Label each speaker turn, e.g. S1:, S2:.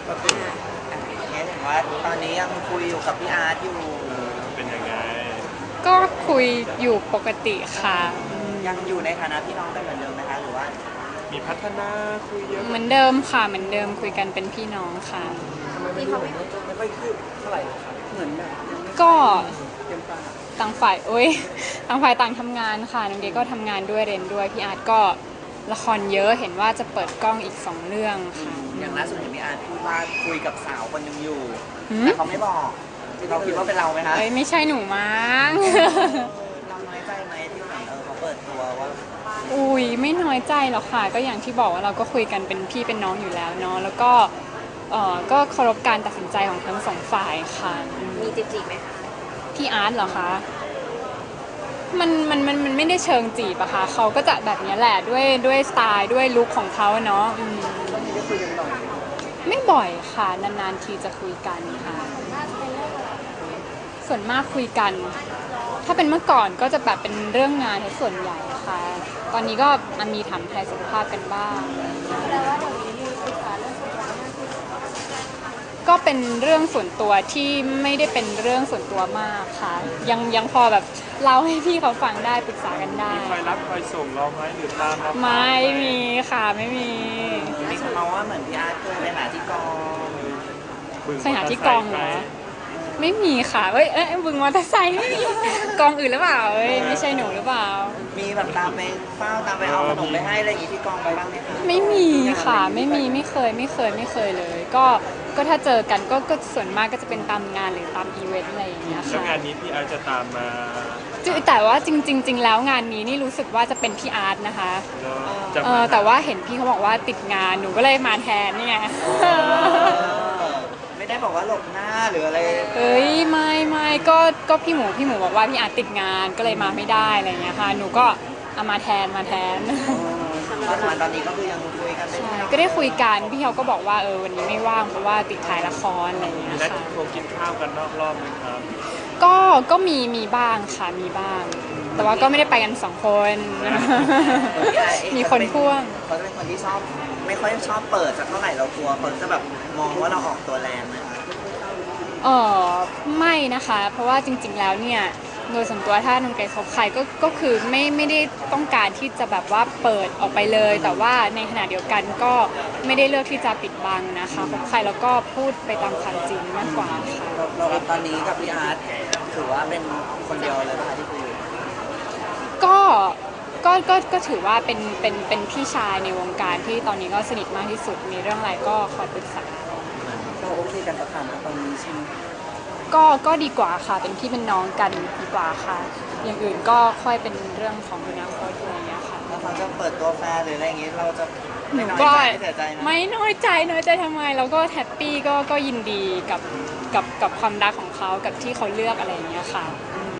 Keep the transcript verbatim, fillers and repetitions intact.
S1: เห็นว่าตอนนี้ยังคุยอยู่กับพี่อาร์ตอยู่
S2: เป็นยังไง
S3: ก็คุยอยู่ปกติค่ะ
S1: ยังอยู่ในฐานะพี่น้องกันเหมือนเดิมไหมคะหรือว่า
S2: มีพัฒนาคุยเยอะ
S3: เหมือนเดิมค่ะเหมือนเดิมคุยกันเป็นพี่น้องค่ะ
S1: ที่เขาไม่ไม่ค่อยคืบเท่าไหร่ครับเหมือนแบบ
S3: ก็ต่างฝ่ายโอ้ยต่างฝ่ายต่างทำงานค่ะน้องเกก็ทำงานด้วยเรียนด้วยพี่อาร์ตก็ละครเยอะเห็นว่าจะเปิดกล้องอีกสองเรื่องค่ะ
S1: อย่างล่าสุดเห็นพี่อาร์ตพูดว่าคุยกับสาวคนนึงอยู่แต่เขาไม่บอกเราคิดว่าเป็นเราไหมคะ
S3: เอ้ยไม่ใช่หนูมั้ง
S1: เราน้อยใจไหมที่เหมือนเออเขาเปิดตัวว่า
S3: อุ้ยไม่น้อยใจหรอกค่ะก็อย่างที่บอกว่าเราก็คุยกันเป็นพี่เป็นน้องอยู่แล้วเนาะแล้วก็เออก็เคารพการตัดสินใจของทั้งสองฝ่ายค่ะ
S4: มีจีบจีบไหมคะ
S3: พี่อาร์ตเหรอคะมันมันมันมันไม่ได้เชิงจีบอะค่ะเขาก็จะแบบนี้แหละด้วยด้วยสไตล์ด้วยลุคของเขาเนาะ
S1: ต้องมีได้คุยกันบ่อย
S3: ไม่บ่อยค่ะนานๆทีจะคุยกันค่ะส่วนมากคุยกันถ้าเป็นเมื่อก่อนก็จะแบบเป็นเรื่องงานส่วนใหญ่ค่ะตอนนี้ก็มีถามไทยสุขภาพกันบ้างก็เป็นเรื่องส่วนตัวที่ไม่ได้เป็นเรื่องส่วนตัวมากค่ะยังยังพอแบบเล่าให้พี่เขาฟังได้ปรึกษากันได้
S2: มีคอยรับคอยส่งเราไหมหรือตามเรา
S3: ไม่มีค่ะไม่มี
S1: มีคนมาว่าเหมือนพี่อาร์ตเคยไปหาที่กอง
S3: ไปหาที่กองเหรอไม่มีค่ะเอ้ยเอ้ยบึงมอเตอร์ไซค์ไม่มีกองอื่นหรือเปล่าเอ้ยไม่ใช่หนูหรือเปล่า
S1: มีแบบตามไปเฝ้าตามไปเอาขนมไปให้อะไรอย่างงี้ที่กองไปบ้างไหมคะ
S3: ไม่มีค่ะไม่มีไม่เคยไม่เคยไม่เคยเลยก็ก็ถ้าเจอกันก็ก็ส่วนมากก็จะเป็นตามงานหรือตามอีเวนต์อะไรอย่างเงี้ยค่ะ
S2: แล้วงานนี้พี่อาร์ตจะตามมา
S3: แต่ว่าจริงจริงแล้วงานนี้นี่รู้สึกว่าจะเป็นพี่อาร์ตนะคะเออแต่ว่าเห็นพี่เขาบอกว่าติดงานหนูก็เลยมาแทนนี่ไง
S1: ไม่ได้บอกว่าหลบหน้าหรืออะไร
S3: เอ้ยไม่ไม่ก็ก็พี่หมูพี่หมูบอกว่าพี่อาร์ตติดงานก็เลยมาไม่ได้อะไรอย่างเงี้ยค่ะหนูก็เอามาแทนมาแทน
S1: ตอนนี้ก็คือยังคุยกันใช่
S3: ก็ได้คุยกันพี่เขาก็บอกว่าเออวันนี้ไม่ว่างเพราะว่าติดถ่ายละครอะไรอย่างเงี้ย
S2: ค่ะ
S3: ค่ะ
S2: คงกินข้าวกันนอกรอบไหมครับ
S3: ก็ก็มีมีบ้างค่ะมีบ้างแต่ว่าก็ไม่ได้ไปกันสองคนมีคนพ่วง
S1: เขาจะเป็นคนที่ชอบไม่ค่อยชอบเปิดสักเท่าไหร่เรากลัวคนจะแบบมองว่าเราออกตัวแรงไหมคะ
S3: เออไม่นะคะเพราะว่าจริงๆแล้วเนี่ยโดยส่วนตัวถ้าน้องไก่คบใครก็ก็คือไม่ไม่ได้ต้องการที่จะแบบว่าเปิดออกไปเลยแต่ว่าในขณะเดียวกันก็ไม่ได้เลือกที่จะปิดบังนะคะคบใครแล้วก็พูดไปตามความจริงมากกว่าค่ะ
S1: เราตอนนี้กับพี่อาร์ตถือว่าเป็นคนเดียวเลยป่ะที่คุย
S3: ก็ก็ก็ก็ถือว่าเป็นเป็นเป็นพี่ชายในวงการที่ตอนนี้ก็สนิทมากที่สุดมีเรื่องอะไรก็คอยปรึกษา
S1: เราโอเคกันประคำตอนนี้ใช่ไหม
S3: ก็ก็ดีกว่าค่ะเป็นพี่เป็นน้องกันดีกว่าค่ะอย่างอื่นก็ค่อยเป็นเรื่องของอนาคตอะไรอย่างเงี้ยค่ะ
S1: แล้วเขาจะเปิดตัวแฟนหรืออะไรอย่างงี้เราจะ
S3: หนูก็ไม่น้อยใจน้อยใจทำไมเราก็แฮปปี้ก็ก็ยินดีกับกับกับความรักของเขากับที่เขาเลือกอะไรอย่างเงี้ยค่ะ